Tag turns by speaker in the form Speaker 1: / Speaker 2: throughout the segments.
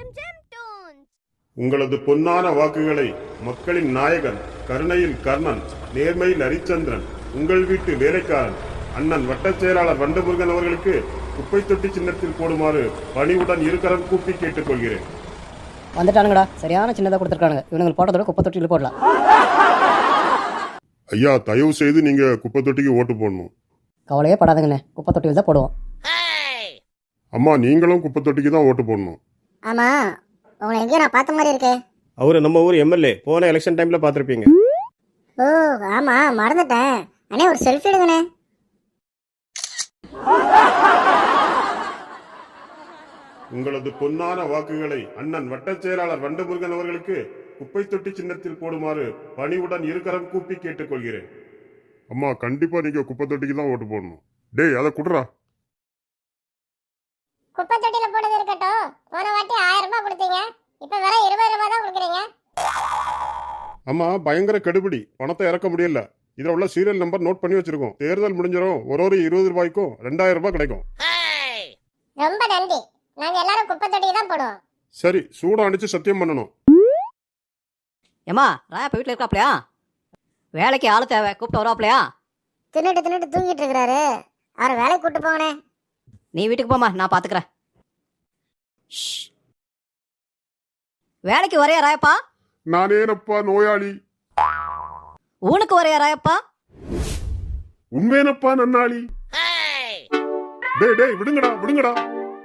Speaker 1: உங்களது பொன்னான வாக்குகளை மக்களின் நாயகன், கருணையில் கர்ணன், நேர்மையில் ஹரிச்சந்திரன், உங்கள் வீட்டு வேலைக்காரன் அண்ணன் வட்டச் செயலாளர் வண்டமுருகன் அவர்களுக்கு குப்பை தொட்டி சின்னத்தில் போடுமாறு பணிவுடன் இருக்கரம் கூப்பி கேட்டுக்கொள்கிறேன்.
Speaker 2: வந்துட்டானுங்கடா, சரியான சின்னதாக கொடுத்துருக்கானுங்க. இவனுங்க போட்டதோட குப்பை தொட்டியில் போடலாம்.
Speaker 1: ஐயா, தயவு செய்து நீங்க குப்பை தொட்டிக்கு ஓட்டு போடணும்.
Speaker 2: கவலையே படாதுங்கண்ணே, குப்பை தொட்டியில் தான் போடுவோம்.
Speaker 1: அம்மா, நீங்களும் குப்பை தொட்டிக்கு தான் ஓட்டு போடணும்.
Speaker 3: ஆமா, உங்களை எங்கேயோ நான் பார்த்த மாதிரி இருக்கே.
Speaker 4: அவரு நம்ம ஊர் எம்எல்ஏ, போன எலெக்ஷன் டைம்ல பார்த்துருப்பீங்க.
Speaker 3: ஓ ஆமா, மறந்துட்டேன். அண்ணே ஒரு செல்ஃபி எடுங்கண்ணே.
Speaker 1: உங்களது பொன்னான வாக்குகளை அண்ணன் வட்டச் செயலாளர் வண்டமுருகன் அவர்களுக்கு குப்பை தொட்டி சின்னத்தில் போடுமாறு பணிவுடன் இருக்கரம் கூப்பி கேட்டுக்கொள்கிறேன். அம்மா, கண்டிப்பா நீங்க குப்பை தொட்டிக்கு தான் ஓட்டு போடணும். டேய், அதை குடுறா.
Speaker 3: குப்பை தொட்டியில போட்டது இருக்கட்டும். போன வாட்டி 1000 ரூபாய் கொடுத்தீங்க, இப்ப வேற 20 ரூபாய் தான் கொடுக்குறீங்க.
Speaker 1: அம்மா, பயங்கர கெடுபிடி, பணத்தை இறக்க முடியல. இதுல உள்ள சீரியல் நம்பர் நோட் பண்ணி வச்சிருக்கோம். தேர்தல் முடிஞ்சிடும், ஒரு 20 ரூபாய்க்கும் 2000 ரூபாய் கிடைக்கும்.
Speaker 3: ரொம்ப நன்றி. நாங்க எல்லாரும் குப்பை தொட்டிக்கு தான் போடுவோம்.
Speaker 1: சரி, சூடம் அடிச்சு சத்தியம் பண்ணணும்.
Speaker 2: ஏமா, ராயப்பா வீட்டில் இருக்காப்லையா? வேலைக்கு ஆளு தேவை, கூப்பிட்டு வருவாப்லையா?
Speaker 3: தின்னுட்டு தூங்கிட்டு இருக்கிறாரு. அவரை வேலைக்கு கூட்டு போங்கண்ணே.
Speaker 2: நீ வீட்டுக்கு போமா, நான் பார்த்துக்கிறேன். வேலைக்கு வரையா ராயப்பா?
Speaker 1: நானேனப்பா நோயாளி.
Speaker 2: ஊனுக்கு வரையா ராயப்பா?
Speaker 1: உண்மையனப்பா நன்னாளி. டேய் விடுங்கடா.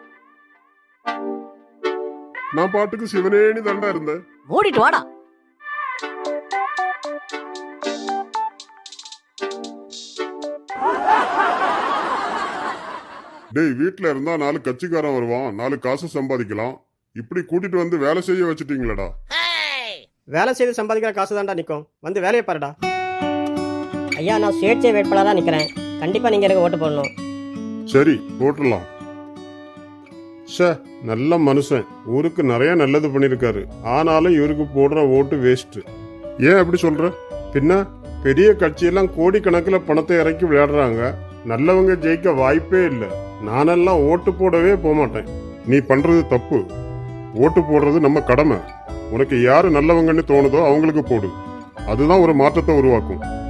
Speaker 1: நான் பாட்டுக்கு சிவனேனி தண்டா இருந்தேன்.
Speaker 2: மூடிட்டு வாடா.
Speaker 1: டேய், வீட்டுல இருந்தா 4 கட்சிக்காரன் வருவான், 4 காசு சம்பாதிக்கலாம். இப்படி கூட்டிட்டு வந்து வேலை செய்ய வச்சுட்டீங்களடா.
Speaker 4: வேலை செய்து சம்பாதிக்கிற காசு தான்டா நிற்கும். வந்து வேலையை பாருடா.
Speaker 5: ஐயா, நான் சுயேட்சை வேட்பாளராக நிற்கிறேன். கண்டிப்பாக நீங்கள் எனக்கு ஓட்டு போடணும்.
Speaker 1: சரி, போட்டுடலாம். நல்ல மனுஷன், ஊருக்கு நிறைய நல்லது பண்ணிருக்காரு. ஆனாலும் இவருக்கு போடுற ஓட்டு வேஸ்ட். ஏன் அப்படி சொல்ற? பின்ன பெரிய கட்சியெல்லாம் கோடிக்கணக்கில் பணத்தை இறக்கி விளையாடுறாங்க. நல்லவங்க ஜெயிக்க வாய்ப்பே இல்லை. நானெல்லாம் ஓட்டு போடவே போக மாட்டேன். நீ பண்றது தப்பு. ஓட்டு போடுறது நம்ம கடமை. உனக்கு யாரு நல்லவங்கன்னு தோணுதோ அவங்களுக்கு போடு. அதுதான் ஒரு மாற்றத்தை உருவாக்கும்.